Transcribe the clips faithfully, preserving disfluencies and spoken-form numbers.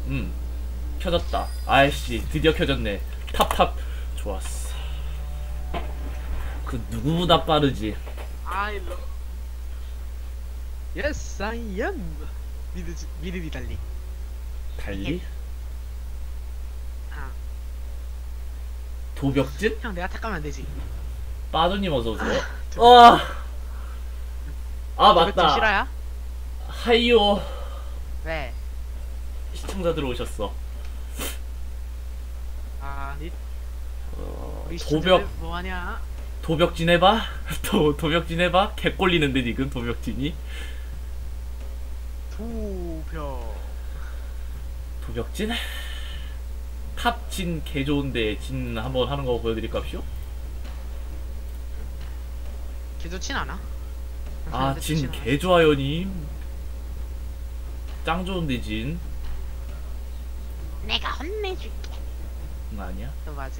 음 켜졌다. 아이씨 드디어 켜졌네. 탑탑. 좋았어. 그 누구보다 빠르지. I love. Yes, I am. 미드 미드 달리. 달리? 아, 도벽진? 형 내가 탁 가면 안 되지. 빠두님 어서오세요. 아, 아 도벽진 맞다. 실화야? 하이요. 왜? 시청자 들어오셨어. 아, 니 어, 우리 도벽 시청자들 뭐하냐? 도벽진 해봐. 도 도벽진 해봐. 개 꼴리는데 지금 도벽진이. 도벽. 도벽진? 탑진 개 좋은데 진 한번 하는 거 보여드릴까쇼? 개 좋진 않아. 아 진 개 좋아요님. 짱 좋은데 진. 내가 혼내줄게. 응, 아니야? 너 맞지?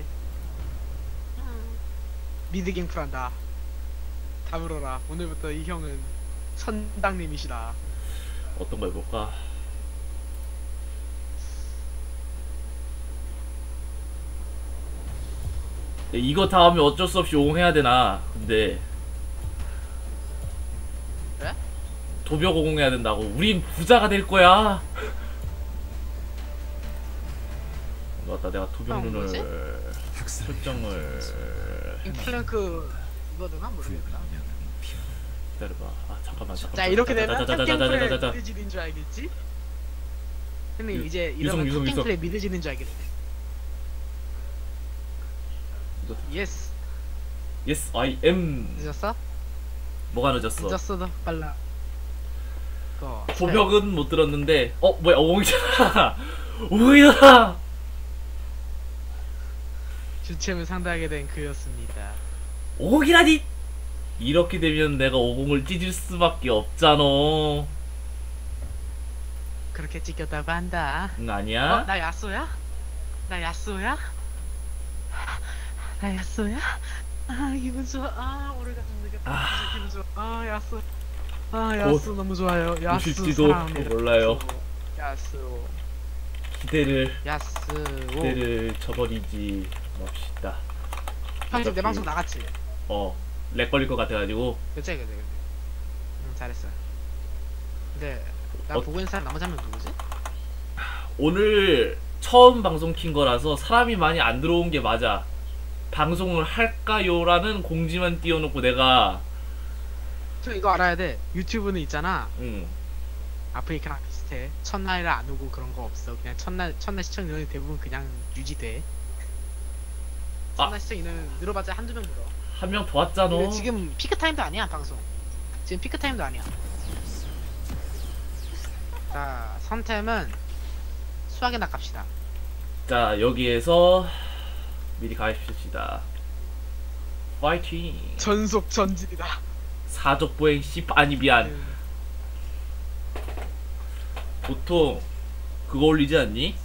미드 갱플 한다. 다 물어라. 오늘부터 이 형은 선당님이시다. 어떤 거 해볼까? 야, 이거 다 하면 어쩔 수 없이 오공해야 되나? 근데 왜? 도벽 오공해야 된다고. 우린 부자가 될 거야. 맞다, 내가 도벽 형, 뭐지? 룬을 설정을 플랭크 이거드나 모르겠다. 기다려봐. 아 잠깐만 잠깐만. 자 이렇게 되면 탑갱플에 자자자자자자자자. 미드지는 줄 알겠지? 형님 유- 이제 유성, 이러면 유성, 탑갱플에 미드지는 줄 알겠네. 이거- 예스. Yes, I am. 늦었어? 뭐가 늦었어? 늦었어도 빨라. 거. 도벽은 못 들었는데. 어 뭐야 오공이잖아. 오공이다. 주체를 상대하게 된 그였습니다. 오공이라니. 이렇게 되면 내가 오공을 찢을 수밖에 없잖아. 그렇게 찍혔다고 한다. 응 어? 아니야? 나 야쏘야? 나 야쏘야? 나 야쏘야? 아 기분 좋아. 아 오래가슴 느꼈다. 아. 기분 좋아. 아 야쏘. 아 야쏘 너무 좋아요. 야쏘 오실지도 사랑합니다. 몰라요. 야쏘. 기대를 야쏘. 기대를 저버리지 맙시다. 형 지금 내 어차피- 방송 나갔지? 어, 렉 걸릴 것 같아가지고. 그치 그치 그치. 응 잘했어. 근데 나 어- 보고 있는 사람 나머지 한 명 누구지? 오늘 처음 방송 킨 거라서 사람이 많이 안 들어온 게 맞아. 방송을 할까요라는 공지만 띄워놓고 내가 저 이거 알아야 돼. 유튜브는 있잖아. 응 아프리카랑 비슷해. 첫날에 안 오고 그런 거 없어. 그냥 첫날 첫날 시청 인원이 대부분 그냥 유지돼. 첫날 아. 시청 인원은 늘어봤자 한두 명 늘어. 한 명 더 왔잖아. 근데 지금 피크 타임도 아니야 방송. 지금 피크 타임도 아니야. 자 선템은 수학에 낚갑시다. 자 여기에서 미리 가입시다. 파이팅. 전속 전진이다. 사족 보행 십 아니 미안. 보통 그거 올리지 않니?